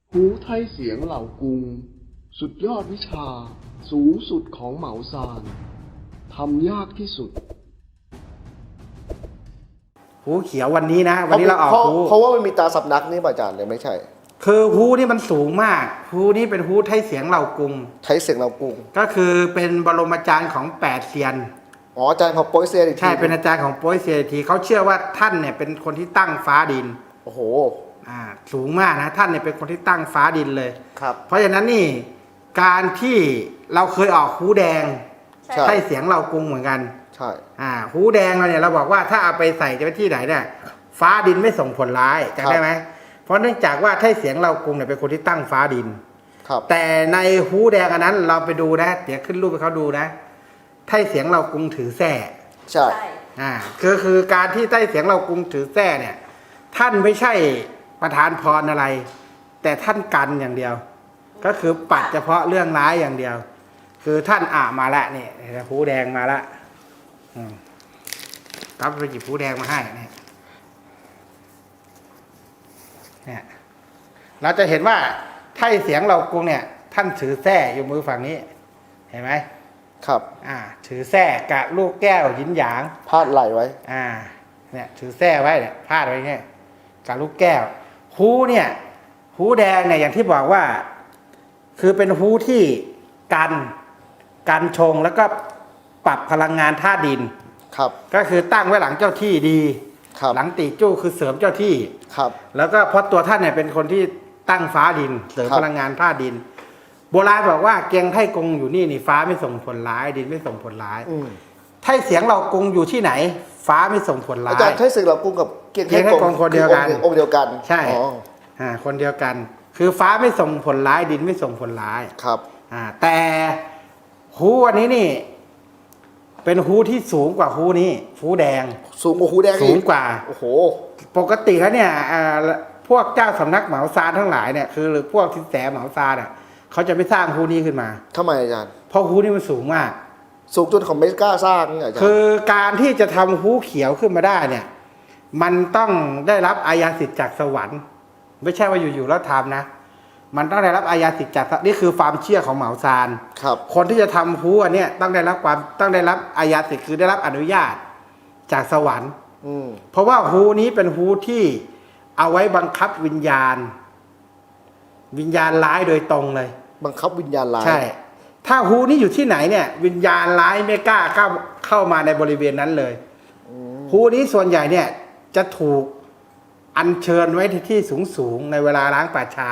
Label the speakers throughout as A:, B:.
A: หูไทยเสียงเหล่ากรุงสุดยอดวิชาสูงสุดของเหมาซานทำยากที่สุด
B: หูเขียววันนี้นะวันนี้เราออกหู
C: เพราะว่ามันมีตาสับนักนี่ป่ะอาจารย์เลยไม่ใช่
B: คือหูนี่มันสูงมากหูนี่เป็นหูไทยเสียงเหล่ากรุง
C: ใช้เสียงเรากรุง
B: ก็คือเป็นบรมอาจารย์ของ8เซียน
C: อ๋ออาจารย์ของโปรยเซียนอีกที
B: ใช่เป็นอาจารย์ของโป้ยเซียทีเขาเชื่อว่าท่านเนี่ยเป็นคนที่ตั้งฟ้าดิน
C: โอ้โห
B: สูงมากนะท่านเนี่ยเป็นคนที่ตั้งฟ้าดินเลย
C: ครับ
B: เพราะฉะนั้นนี่การที่เราเคยออกหูแดงใช่เสียงเหล่ากรุงเหมือนกัน
C: ใช่
B: หูแดงเราเนี่ยเราบอกว่าถ้าเอาไปใส่จะไปที่ไหนเนี่ยฟ้าดินไม่ส่งผลร้ายจำได้ไหมเพราะเนื่องจากว่าไทเสียงเหล่ากรุงเนี่ยเป็นคนที่ตั้งฟ้าดินแต่ในหูแดงอันนั้นเราไปดูนะเดี๋ยวขึ้นรูปให้เขาดูนะไทเสียงเหล่ากรุงถือแส้
C: ใช่
B: คือการที่ไต้เสียงเหล่ากรุงถือแส้เนี่ยท่านไม่ใช่ประทานพรอะไรแต่ท่านกันอย่างเดียวก็คือปัดเฉพาะเรื่องร้ายอย่างเดียวคือท่านมาแล้วนี่หูแดงมาแล้วครับไปหยิบหูแดงมาให้เนี่ยเราจะเห็นว่าไต้เสียงเหล่ากรุงเนี่ยท่านถือแส้อยู่มือฝั่งนี้เห็นไหม
C: ครับ
B: ถือแส้กับลูกแก้วหยินหยาง
C: พาดไหลไว้
B: เนี่ยถือแส้ไว้เนี่ยพาดไว้เนี่ยกับลูกแก้วหูเนี่ยหูแดงเนี่ยอย่างที่บอกว่าคือเป็นหูที่กันชงแล้วก็ปรับพลังงานธาตุดิน
C: ครับ
B: ก็คือตั้งไว้หลังเจ้าที่ดีหลังตีจู้คือเสริมเจ้าที่
C: ครับ
B: แล้วก็เพราะตัวท่านเนี่ยเป็นคนที่ตั้งฟ้าดินเสริมพลังงานธาตุดินโบราณบอกว่าเกียงไท่กงอยู่นี่ฟ้าไม่ส่งผลร้ายดินไม่ส่งผลร้ายไท่เสียงเรากงอยู่ที่ไหนฟ้าไม่ส่งผลร้าย
C: อาจารย์ไท่เสียงเรากงกับเกียงไท่กง
B: คนเดียวกัน
C: องค์เดียวกัน
B: ใช่คนเดียวกันคือฟ้าไม่ส่งผลร้ายดินไม่ส่งผลร้าย
C: ครับ
B: แต่หูอันนี้นี่เป็นหูที่สูงกว่าหูนี้หูแดง
C: สูงกว่าหูแดง
B: สูงกว่า
C: โอ้โห
B: ปกติแล้วเนี่ยพวกเจ้าสำนักเหมาซานทั้งหลายเนี่ยคือหรือพวกทิศแสเหมาซานเขาจะไม่สร้างฮูนี้ขึ้นมา
C: ทำไมอาจารย์
B: เพราะฮูนี้มันสูงมาก
C: สูงจนเขาไม่กล้าสร้างนี่อาจารย์
B: คือการที่จะทำฮูเขียวขึ้นมาได้เนี่ยมันต้องได้รับอาญาสิทธิ์จากสวรรค์ไม่ใช่ว่าอยู่ๆแล้วทำนะมันต้องได้รับอาญาสิทธิ์จากนี่คือความเชื่อของเหมาซาน
C: ครับ
B: คนที่จะทำฮูอันเนี้ยต้องได้รับอาญาสิทธิ์คือได้รับอนุญาตจากสวรรค์เพราะว่าฮูนี้เป็นฮูที่เอาไว้บังคับวิญญาณร้ายโดยตรงเลย
C: บังคับวิญญาณร้าย
B: ใช่ถ้าฮูนี้อยู่ที่ไหนเนี่ยวิญญาณร้ายไม่กล้าเข้ามาในบริเวณนั้นเลยฮูนี้ส่วนใหญ่เนี่ยจะถูกอัญเชิญไว้ที่สูงในเวลาล้างป่าช้า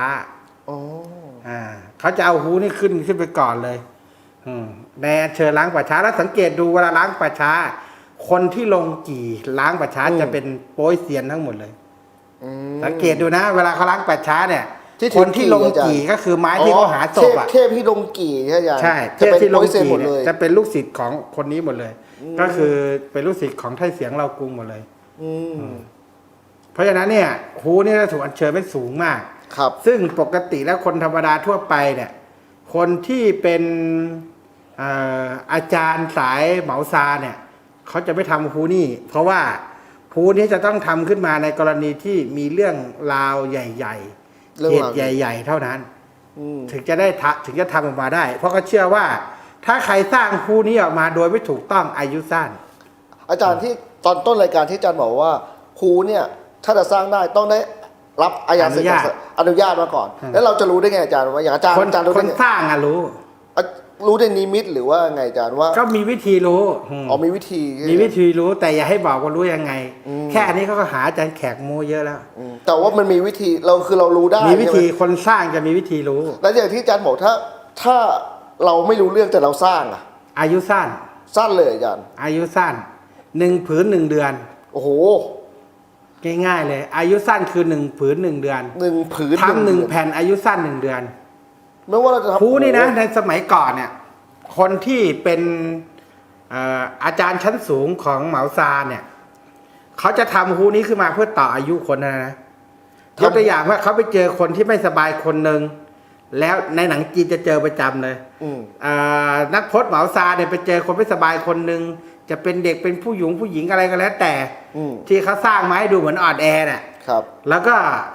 B: เขาจะเอาฮูนี้ขึ้นไปก่อนเลยในอัญเชิญล้างป่าช้าแล้วสังเกตดูเวลาล้างป่าช้าคนที่ลงกี่ล้างป่าช้าจะเป็นโป้ยเซียนทั้งหมดเลยสังเกตดูนะเวลาเขาล้างป่าช้าเนี่ยคนที่ลงกี่ก็คือไม้ที่เขาหาศพ
C: เทพที่ลงกี่
B: ใช่เทพที่ลงกี่เนี่ยจะเป็นลูกศิษย์ของคนนี้หมดเลยก็คือเป็นลูกศิษย์ของไท่เสียงเรากรุงหมดเลยเพราะฉะนั้นเนี่ยฮูนี่จะถูกอัญเชิญเป็นสูงมาก
C: ครับ
B: ซึ่งปกติแล้วคนธรรมดาทั่วไปเนี่ยคนที่เป็นอาจารย์สายเหมาซาเนี่ยเขาจะไม่ทำฮูนี่เพราะว่าฮูนี้จะต้องทำขึ้นมาในกรณีที่มีเรื่องราวใหญ่ๆเหตุใหญ่ๆเท่านั้นถึงจะทำออกมาได้เพราะเขาเชื่อว่าถ้าใครสร้างฮูนี้ออกมาโดยไม่ถูกต้องอายุสั้น
C: อาจารย์ที่ตอนต้นรายการที่อาจารย์บอกว่าฮูเนี่ยถ้าจะสร้างได้ต้องได้รับอนุญาตมาก่อนแล้วเราจะรู้ได้ไงอาจารย์ว่าอย่างอาจารย์
B: คนสร้าง
C: รู้ในนิมิตหรือว่าไงอาจารย์ว่า
B: ก็มีวิธีรู้
C: มีวิธี
B: รู้แต่อย่าให้บอกว่ารู้ยังไงแค่อันนี้เขาก็หาอาจารย์แขกโมเยอะแล้ว
C: แต่ว่ามันมีวิธีเรารู้ได้
B: มีวิธีคนสร้างจะมีวิธีรู้
C: แล้วอย่างที่อาจารย์บอกถ้าเราไม่รู้เรื่องแต่เราสร้าง
B: อายุสั้
C: นเลยอาจารย์
B: อายุสั้น1 ผืน 1 เดือน
C: โอ้โห
B: ง่ายๆเลยอายุสั้นคือ1 ผืน 1 เดือน
C: 1 ผืน
B: ทำ1 แผ่นอายุสั้น1 เดือน
C: ไม่ว่าเราจะทำ
B: ฮูนี่นะในสมัยก่อนเนี่ยคนที่เป็นอาจารย์ชั้นสูงของเหมาซาเนี่ยเขาจะทำฮูนี้ขึ้นมาเพื่อต่ออายุคนนะยกตัวอย่างว่าเขาไปเจอคนที่ไม่สบายคนหนึ่งแล้วในหนังจีนจะเจอประจำเลยนักพจน์เหมาซาเนี่ยไปเจอคนไม่สบายคนหนึ่งจะเป็นเด็กเป็นผู้หญิงอะไรก็แล้วแต่ที่เขาสร้างมาให้ดูเหมือนอ่อนแอน่ะแล้วก็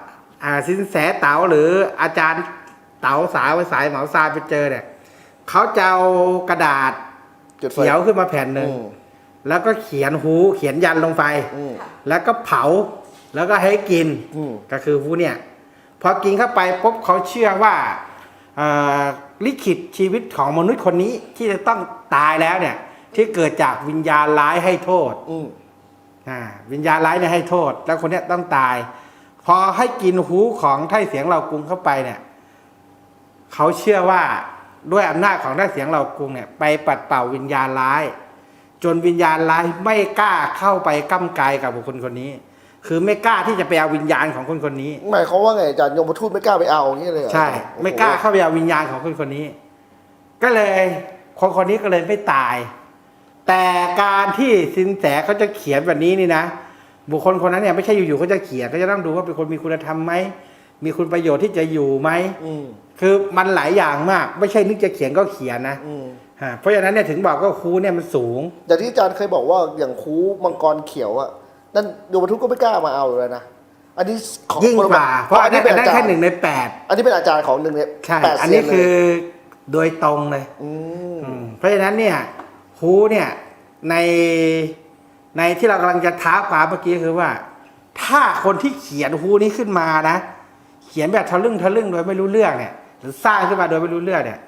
B: สินแสเต๋าหรืออาจารย์เต๋าสายเหมาซานไปเจอเนี่ยเขาจะเอากระดาษ
C: จุดไฟ
B: เขียวขึ้นมาแผ่นหนึ่ง
C: อืม
B: แล้วก็เขียนยันลงไป
C: อืม
B: แล้วก็เผาแล้วก็ให้กิน
C: อืม
B: ก็คือเนี่ยพอกินเข้าไปปุ๊บเขาเชื่อว่าลิขิตชีวิตของมนุษย์คนนี้ที่จะต้องตายแล้วเนี่ยที่เกิดจากวิญญาณร้ายให้โทษ
C: อืม
B: วิญญาณร้ายเนี่ยให้โทษ แล้วคนเนี้ยต้องตาย พอให้กินหูของไท่เสียงเหล่ากรุงเข้าไปเนี่ยเขาเชื่อว่าด้วยอำนาจของไท่เสียงเหล่ากรุงเนี่ยไปปัดเป่าวิญญาณร้าย จนวิญญาณร้ายไม่กล้าเข้าไปก้ำกายกับบุคคลคนนี้ คือไม่กล้าที่จะไปเอาวิญญาณของคนคนนี้
C: หมายความว่าไงอาจารย์ยมทูตไม่กล้าไปเอาอย่างนี้เลยเหรอ
B: ใช่ ไม่กล้าเข้าไปเอาวิญญาณของคนคนนี้ ก็เลยคนคนนี้ก็เลยไม่ตาย แต่การที่สินแสเขาจะเขียนแบบนี้นี่นะบุคคลคนนั้นเนี่ยไม่ใช่อยู่ๆเขาจะเขียนเขาจะต้องดูว่าเป็นคนมีคุณธรรมไหมมีคุณประโยชน์ที่จะอยู่ไหม
C: อืม
B: คือมันหลายอย่างมาก ไม่ใช่นึกจะเขียนก็เขียนนะ
C: อืม
B: เพราะฉะนั้นเนี่ยถึงบอกว่าครูเนี่ยมันสูง
C: อย่างที่อาจารย์เคยบอกว่าอย่างคูมังกรเขียวอะนั่นยมทูตก็ไม่กล้ามาเอาเลยนะอันนี้ของ
B: ยิ่งกว่าเพราะอันนั้นแค่1 ใน 8
C: อันนี้เป็นอาจารย์ของ1 ใน
B: ใช่
C: 8
B: อัน
C: เซีย
B: นี้
C: นเล
B: คื
C: ย
B: อโดยตรงเลย เพราะฉะนั้นเนี่ยฮูเนี่ยในที่เรากำลังจะท้าความเมื่อกี้คือว่า ถ้าคนที่เขียนฮูนี้ขึ้นมานะ เขียนแบบทะลึ่งโดยไม่รู้เรื่องเนี่ย หรือสร้างขึ้นมาโดยไม่รู้เรื่องเนี่ย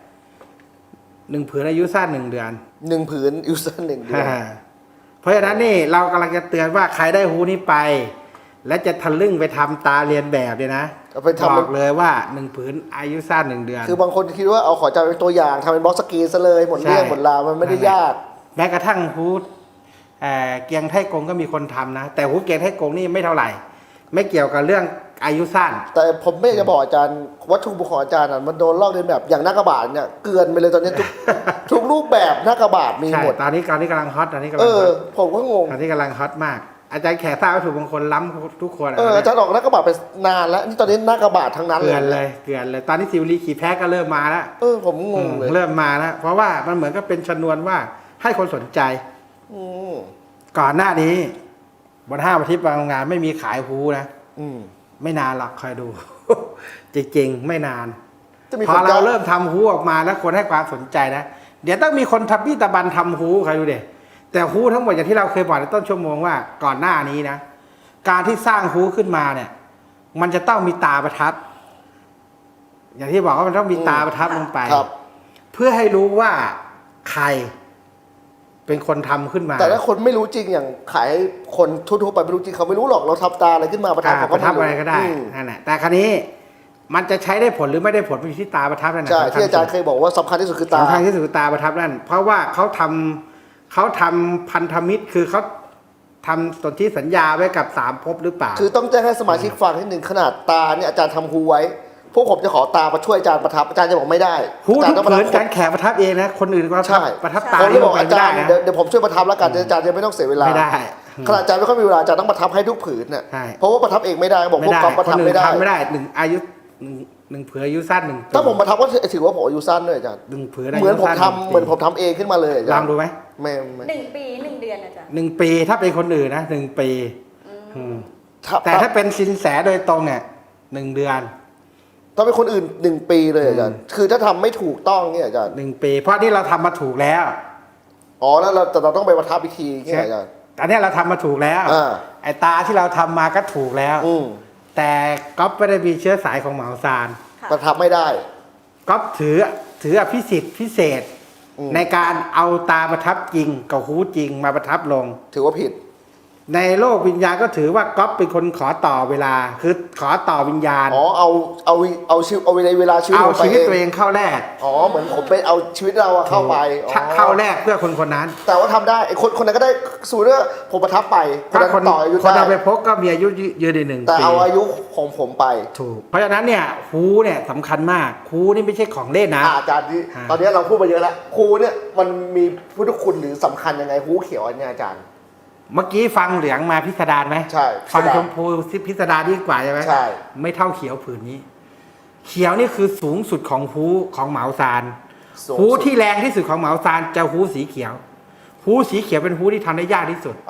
B: 1 ผืนอายุสั้น1 เดือน
C: 1 ผืนอยู่สั้น1 เดือน
B: เพราะฉะนั้นนี่เรากำลังจะเตือนว่าใครได้ฮูนี้ไป และจะทะลึ่งไปทำตาเรียนแบบเนี่ยนะ
C: เอาไปทำ
B: บอกเลยว่า1 ผืนอายุสั้น1 เดือน
C: คือบางคนคิดว่าเอาขออาจารย์เป็นตัวอย่างทำเป็นบล็อกสกรีนซะเลยหมดเรื่อง
B: ใช่
C: หมดราวมันไม่ได้ยาก
B: แม้กระทั่งฮูดเกียงไทกงก็มีคนทำนะ แต่ฮูดเกียงไทกงนี่ไม่เท่าไหร่ ไม่เกี่ยวกับเรื่องอายุสั้น
C: แต่ผมไม่อยากจะบอกอาจารย์วัตถุประสงค์ของอาจารย์น่ะมันโดนลอกเลียนแบบอย่างหน้ากระบาดเนี่ยเกลือนไปเลยตอนนี้ ทุกรูปแบบหน้ากระบาดมี
B: ใช่
C: หมด
B: ตอนนี้กำลังฮอตตอนนี้กำลั
C: เอง
B: ฮ
C: อ
B: อต
C: ผมก็งง
B: ตอนนี้กำลังฮอตมาก อาจารย์แขกทราบวัตถุมงคลล้ำทุกคน
C: อาจารย์ออกหน้ากระบาดไปนานแล้วนี่ตอนนี้หน้ากระบาดทั้งนั้น
B: เกลือนเลยตอนนี้ซิวลีขี่แพ้ก็เริ่มมาแล้ว
C: ผมงงเลย
B: เริ่มมาแล้วเพราะว่ามันเหมือนกับเป็นชนวนว่าให้คนสนใจ
C: อืม
B: ก่อนหน้านี้บนห้างอาทิตย์บางโรงงานไม่มีขายฮูนะ
C: อืม
B: ไม่นานหรอกคอยดู จริงๆไม่นาน
C: จะมี
B: พอ
C: คน
B: เราเริ่มทำฮูออกมาแล้วคนให้ความสนใจนะเดี๋ยวต้องมีคนทับบี้ตะบันทำฮูใครดูเด็แต่ฮูทั้งหมดอย่างที่เราเคยบอกในต้นชั่วโมงว่าก่อนหน้านี้นะการที่สร้างฮูขึ้นมาเนี่ย มันจะต้องมีตาประทับ อย่างที่บอกว่ามันต้องมีตาประทับลงไป
C: ครับ
B: เพื่อให้รู้ว่าใครเป็นคนทำขึ้นมา
C: แต่ถ้าคนไม่รู้จริงอย่างขายให้คนทั่วๆไปไม่รู้จริงเขาไม่รู้หรอกเราทับตาอะไรขึ้นมาประทับเขา
B: ป
C: ก็
B: ระทับ
C: ม่
B: อะไรก็ได้
C: อืม
B: นั่นแหละแต่ครั้นี้มันจะใช้ได้ผลหรือไม่ได้ผลมันอยู่ที่ตาประทับนั่นแหละ
C: ใช่
B: สำคัญ
C: ที่อาจารย์เคยบอกว่าสำคัญที่สุดคือตา
B: สำคัญที่สุดคือตาประทับนั่นเพราะว่าเขาทำพันธมิตรคือเขาทำสนธิสัญญาไว้กับ3 ภพหรือเปล่า
C: คือต้องแจ้งให้สมาชิกฟังนิดหนึ่งขนาดตาเนี่ยอาจารย์ทำฮูไว้ พวกผมจะขอตามาช่วยอาจารย์ประทับอาจารย์จะบอกไม่ได้
B: ฮู
C: อาจาร
B: ทุ
C: ย์
B: ก
C: ต้องประ
B: ผื
C: ทั
B: น
C: บ
B: การแขกประทับเองนะคนอื่นก็
C: ใช่
B: ประทับตา
C: ผมเลยบอก
B: นี่
C: อาจารย์
B: ไม่ได้นะ
C: เดี๋ยวผมช่วยประทับแล้วกันอาจารย์จะไม่ต้องเสียเวลา
B: ไม่ได้
C: ขนาดอาจารย์ไม่ค่อยมีเวลาอาจารย์ต้องประทับให้ทุกผืนน่ะ
B: ใช่
C: เพราะว่าประทับเองไม่ได้บอก
B: ไม่
C: พวก
B: ได้
C: กองประ
B: ค
C: ทับ
B: นอื่
C: ไม่
B: น
C: ได้
B: ทำไม่ได้หนึ่งผืนอายุสั้นหนึ่ง
C: ถ้าผมประทับก็ถือว่าผมอายุสั้นด้วยอาจารย์
B: 1 ผืน
C: เหมือนผม
B: สั้
C: ทำเหมือนผมทำเองขึ้นมาเลยอาจารย์
B: ลองดูไหม
C: ไม่
D: 1 ปี 1 เดือนอาจารย์
B: 1 ปีถ้าเป็นคนอื่นนะ1 ปีแต่ถ้าเป็นสินแสโดยตรงเนี่ย1 เดือน
C: ถ้าเป็นคนอื่น1 ปีเลยอาจารย์คือถ้าทำไม่ถูกต้องเนี่ยอาจารย์
B: 1 ปี เพราะนี่เราทำมาถูกแล้ว
C: อ๋อแล้วแต่เราต้องไปประทับอีกทีเนี่ยอาจารย์
B: อันนี้เราทำมาถูกแล้ว
C: อ่า
B: ไอ้ตาที่เราทำมาก็ถูกแล้ว
C: อืม
B: แต่ก๊อฟไม่ได้มีเชื้อสายของเหมาซาน
D: ค่ะ
C: ประทับไม่ได้
B: ก๊อฟถืออภิสิทธิ์พิเศษ
C: อืม
B: ในการเอาตาประทับจริงกับหูจริงมาประทับลง
C: ถือว่าผิด
B: ในโลกวิญญาณก็ถือว่าก๊อฟเป็นคนขอต่อเวลา คือขอต่อวิญญาณ
C: อ๋อเอาชีวิตเอาเวลาชีวิต
B: เอา
C: ผมไป
B: ชีวิตตัวเองเข้าแลก
C: อ๋อเหมือนผมไปเอาชีวิตเราอะเข้าไปอ๋อ
B: เข้าแลกเพื่อคนคนนั้น
C: แต่ว่าทำได้ไอ้คนนั้นก็ได้สูตรว่าผมประทับไปคน
B: ถ้า
C: นั้น
B: คน
C: ต่ออายุ
B: คน
C: ได้
B: เอาไปพกก็มีอายุยืนได้1
C: แต่
B: ปี
C: เอาอายุของผมไป
B: ถูก เพราะฉะนั้นเนี่ยฮูเนี่ยสำคัญมากฮูนี่ไม่ใช่ของเล่นนะ
C: อาจารย์ที่
B: อ่า
C: ตอนนี้เราพูดมาเยอะแล้วครูเนี่ยมันมีพุทธคุณหรือสำคัญยังไงฮูเขียวอันเนี้ยอาจารย์
B: เมื่อกี้ฟังเหลืองมาพิสดารไหม
C: ใช่
B: ฟัง
C: พิสดาร
B: ชมพูพิสดารดีกว่าใช่ไหม
C: ใช่
B: ไม่เท่าเขียวผืนนี้ เขียวนี่คือสูงสุดของฮูของเหมาซาน
C: สูง
B: ฮู
C: สุด
B: ที่แรงที่สุดของเหมาซานจะฮูสีเขียวฮูสีเขียวเป็นฮูที่ทำได้ยากที่สุด
C: เอา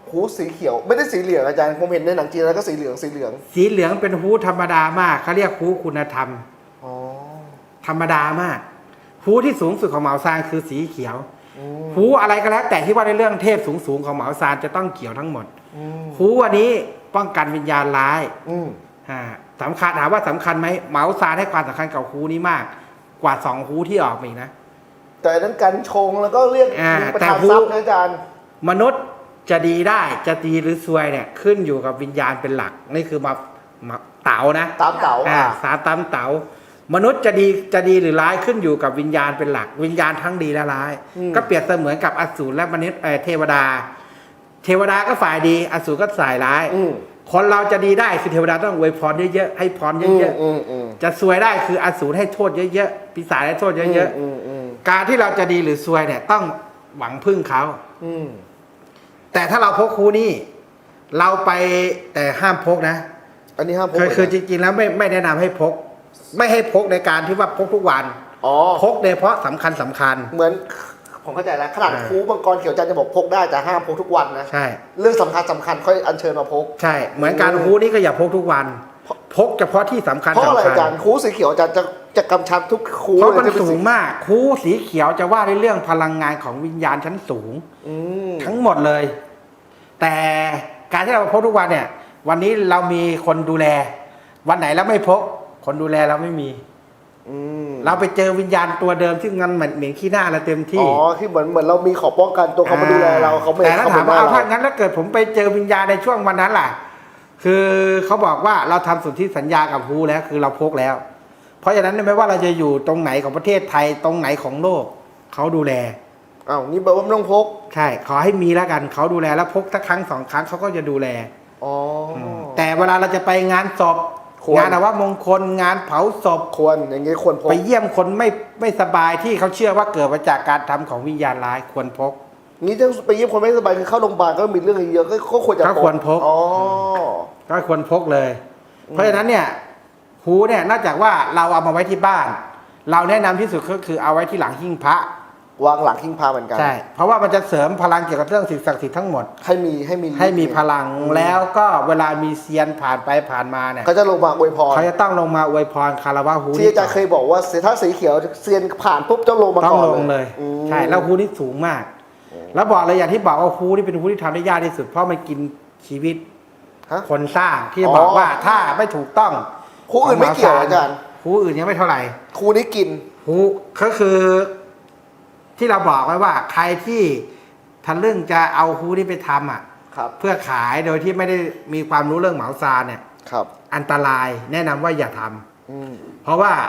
C: หูสีเขียวไม่ได้สีเหลืองอาจารย์ผมเห็นในหนังจีนแล้วก็สีเหลืองสีเหลือง
B: สีเหลืองเป็นฮูธรรมดามากเขาเรียกฮูคุณธรรม
C: อ๋อ
B: ธรรมดามากฮูที่สูงสุดของเหมาซานคือสีเขียวฮูอะไรก็แล้ว แต่ที่ว่าในเรื่องเทพสูงๆของเหมาซานจะต้องเขียวทั้งหมดฮูอันนี้ป้องกันวิญญาณร้ายสำคัญถามว่าสำคัญไหมเหมาซานให้ความสำคัญกับฮูนี้มาก กว่า2ฮูที่ออกมาอีกนะ
C: แต่นั้นกันชงแล้วก็เรียกมีประธานทรัพย์นะอาจารย์
B: มนุษย์จะดีได้จะดีหรือซวยเนี่ยขึ้นอยู่กับวิญญาณเป็นหลักนี่คือมาเต๋านะ
C: ตามเต๋า
B: สาตามเต๋ามนุษย์จะดีหรือร้ายขึ้นอยู่กับวิญญาณเป็นหลัก วิญญาณทั้งดีและร้าย ก็เปรียบเสมือนกับอสูรและมนุษย์เทวดา เทวดาก็ฝ่ายดีอสูรก็ฝ่ายร้ายคนเราจะดีได้คือเทวดาต้องอวยพรเยอะๆให้พรเยอะๆจะซวยได้คืออสูรให้โทษเยอะๆปีศาจให้โทษเยอะๆการที่เราจะดีหรือซวยเนี่ยต้องหวังพึ่งเขาแต่ถ้าเราพกฮูนี่เราไปแต่ห้ามพกนะ
C: อันนี้ห้ามพก
B: คือจริงๆแล้วไม่แนะนำให้พก ไม่ให้พกในการที่ว่าพกทุกวันพกโดยเฉพาะสำคัญ
C: เหมือนผมเข้าใจแล้วขนาดครูมังกรเขียวจันทร์จะบอกพกได้แต่ห้ามพกทุกวันนะ
B: ใช่
C: เรื่องสำคัญค่อยอัญเชิญมาพก
B: ใช่เหมือนการฮูนี่ก็อย่าพกทุกวันพกเฉพาะที่สำคัญ
C: เพราะอะไรอาจารย์ครูสีเขียวจะกำชับทุกครู
B: เพราะมันสูงมากครูสีเขียวจะว่าในเรื่องพลังงานของวิญญาณชั้นสูงทั้งหมดเลยแต่การที่เราพกทุกวันเนี่ยวันนี้เรามีคนดูแลวันไหนแล้วไม่พกคนดูแลเราไม่มีเราไปเจอวิญญาณตัวเดิมซึ่งมันเหม็นขี้หน้าเราเต็มที่
C: ที่เหมือนเรามีขอป้องกันตัวเขามาดูแลเราเขาไม่
B: แต่ถ้าถามว่าเอาถ้างั้นแล้วเกิดผมไปเจอวิญญาณในช่วงวันนั้นล่ะคือเขาบอกว่าเราทำสนธิสัญญากับฮูแล้วคือเราพกแล้วเพราะฉะนั้นไม่ว่าเราจะอยู่ตรงไหนของประเทศไทยตรงไหนของโลกเขาดูแล
C: นี่แปลว่าไม่ต้องพก
B: ใช่ขอให้มีแล้วกันเขาดูแลแล้วพกสักครั้ง2 ครั้งเขาก็จะดูแลแต่เวลาเราจะไปงานศพงานมงคลงานเผาศพ
C: ควรอย่างนี้ควรพก
B: ไปเยี่ยมคนไม่สบายที่เขาเชื่อว่าเกิดมาจากการทำของวิญญาณร้ายควรพก
C: นี่ถ้าไปเยี่ยมคนไม่สบายคือเข้าโรงพยาบาลก็มีเรื่องเยอะก็ควรจะพก
B: ก็ควรพกก็ควรพกเลยเพราะฉะนั้นเนี่ยฮูเนี่ยนอกจากว่าเราเอามาไว้ที่บ้านเราแนะนำที่สุดก็คือเอาไว้ที่หลังหิ้งพระ
C: วางหลังหิ้งพระเหมือนกัน
B: ใช่เพราะว่ามันจะเสริมพลังเกี่ยวกับเรื่องสิ่งศักดิ์สิทธิ์ทั้งหมดให้มีพลังแล้วก็เวลามีเซียนผ่านไปผ่านมาเนี่ย
C: เขาจะลงมาอวยพร
B: เขาจะต้องลงมาอวยพรคารวะฮู
C: ที่อาจารย์เคยบอกว่าถ้าสีเขียวเซียนผ่านปุ๊บต้องลงมาก่อน
B: ต้องลงเลยใช่แล้วฮูนี่สูงมากแล้วบอกเลยอย่างที่บอกว่าฮูนี่เป็นฮูที่ทำได้ยากที่สุดเพราะมันกินชีวิตคนสร้างที่บอกว่าถ้าไม่ถูกต้อง
C: ฮูอื่นไม่เกี่ยวอาจารย์
B: ฮูอื่นยังไม่เท่าไหร่
C: ฮูนี้กิน
B: ฮูก็คือที่เราบอกไว้ว่าใครที่ทะลึ่งจะเอาฮูนี่ไปทำเพื่อขายโดยที่ไม่ได้มีความรู้เรื่องเหมาซานเนี่ยอันตรายแนะนำว่าอย่าทำเพราะว่า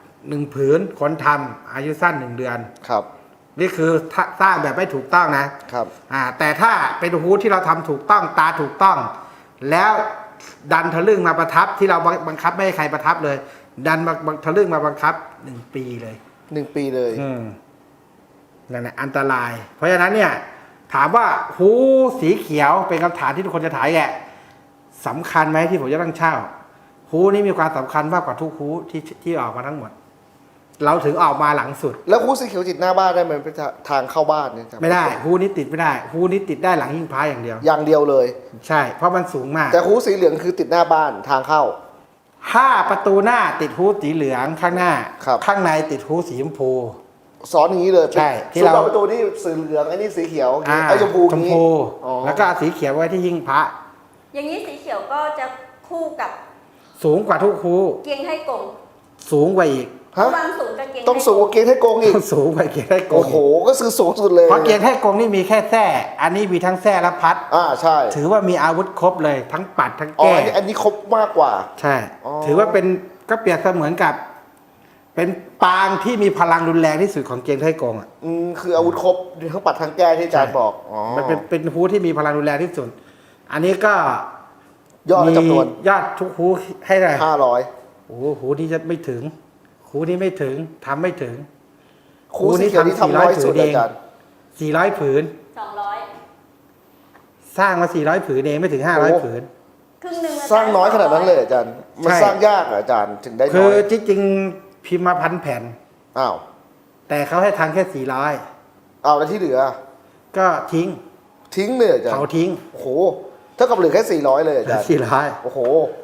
B: 1 ผืนคนทำอายุสั้น1 เดือนนี่คือสร้างแบบไม่ถูกต้องนะแต่ถ้าเป็นฮูที่เราทำถูกต้องตาถูกต้องแล้วดันทะลึ่งมาประทับที่เราบังคับไม่ให้ใครประทับเลยดันมาทะลึ่งมาบังคับ1 ปีเลย
C: 1 ปีเลย
B: นั่นแหละอันตรายเพราะฉะนั้นเนี่ยถามว่าฮูสีเขียวเป็นคำถามที่ทุกคนจะถามแกสำคัญไหมที่ผมจะต้องเช่าฮูนี่มีความสำคัญมากกว่าทุกฮูที่ออกมาทั้งหมดเราถึงออกมาหลังสุด
C: แล้วฮูสีเขียวติดหน้าบ้านได้ไหมเป็นทางเข้าบ้านเนี่ย
B: ไม่ได้ฮูนี้ติดไม่ได้ฮูนี้ติดได้หลังหิ้งพระอย่างเดี
C: ยวเลย
B: ใช่เพราะมันสูงมาก
C: แต่ฮูสีเหลืองคือติดหน้าบ้านทางเข้า
B: ถ้าประตูหน้าติดฮูสีเหลืองข้างหน้าข้างในติดฮูสีชมพู
C: สอนอย่างนี้เลย
B: ใช่
C: ที่เราประตูนี่สีเหลืองไอ้นี่สีเขียวไอ้ชมพู
B: แล้วก็สีเขียวไว้ที่หิ้งพระ
D: อย่างนี้สีเขียวก็จะคู่กับ
B: สูงกว่าทุกฮู
D: เกียงไทกง
B: สูงกว่าอีก
C: ต้องสูงกว่าเกียงไทกงอีก
B: สูงกว่าเกียงไทกง
C: โอ้โหก็คือสูงสุดเลย
B: เพราะเกียงไทกงนี่มีแค่แส้อันนี้มีทั้งแส้และพัด
C: ใช่
B: ถือว่ามีอาวุธครบเลยทั้งปัดทั้งแก้
C: อันนี้ครบมากกว่า
B: ใช่ถือว่าเป็นก็เปรียบเสมือนกับเป็นปางที่มีพลังรุนแรงที่สุดของเกียงไทกง
C: คืออาวุธครบทั้งปัดทั้งแก้ที่อาจารย์บอก
B: มันเป็นฮูที่มีพลังรุนแรงที่สุดอันนี้ก็
C: ยอดจำนวน
B: ยอดทุกฮูให้ได้
C: 500
B: โอ้ฮูที่จะไม่ถึงฮูนี้ไม่ถึงทำไม่ถึง
C: ฮูนี้ทำ400 ผืนอาจารย์
B: 400 ผืน
D: 200
B: สร้างมา400 ผืนเองไม่ถึง500 ผืน
D: ครึ่งนึง
C: สร้างน้อยขนาดนั้นเลยอาจารย์มันสร้างยากอาจารย์ถึงได้น้อย
B: คือจริงๆพิมพ์มา1,000 แผ่น
C: แต่
B: เขาให้ทางแค่400
C: แล้วที่เหลือ
B: ก็ทิ้ง
C: ทิ้งเลยอาจารย์
B: เผาทิ้ง
C: โอ้โหเท่ากับเหลือแค่400เลยอาจารย์
B: 400
C: โอ้โห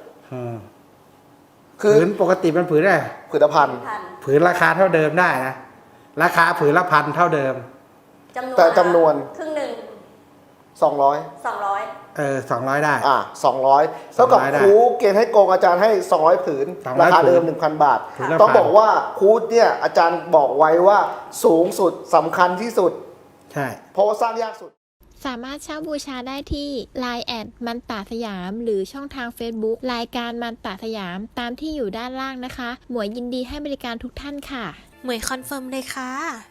B: ผืนปกติมันผืนได้
C: ผืนละพัน
B: ผืนราคาเท่าเดิมได้นะราคาผืนละพันเท่าเดิม
C: แต่จำนวน
D: ครึ่งหนึ่ง
C: 200
D: 200
B: 200 ได้
C: 200เท่ากับ
B: 200ได้
C: ครูเกณฑ์ให้โกงอาจารย์ให้200ผืน
B: 200
C: ราคาเดิม
B: ผืน
C: 1,000 บาท
B: ผืนละ
C: ต้อง
B: 1,000
C: บอกว่าครูเนี่ยอาจารย์บอกไว้ว่าสูงสุดสำคัญที่สุด
B: ใช่
C: เพราะว่าสร้างยากสุด
E: สามารถเช่าบูชาได้ที่ Line แอดมันตาสยาม หรือช่องทาง Facebook รายการมันตาสยามตามที่อยู่ด้านล่างนะคะ หมวยยินดีให้บริการทุกท่านค่ะ
F: หมวยคอนเฟิร์มเลยค่ะ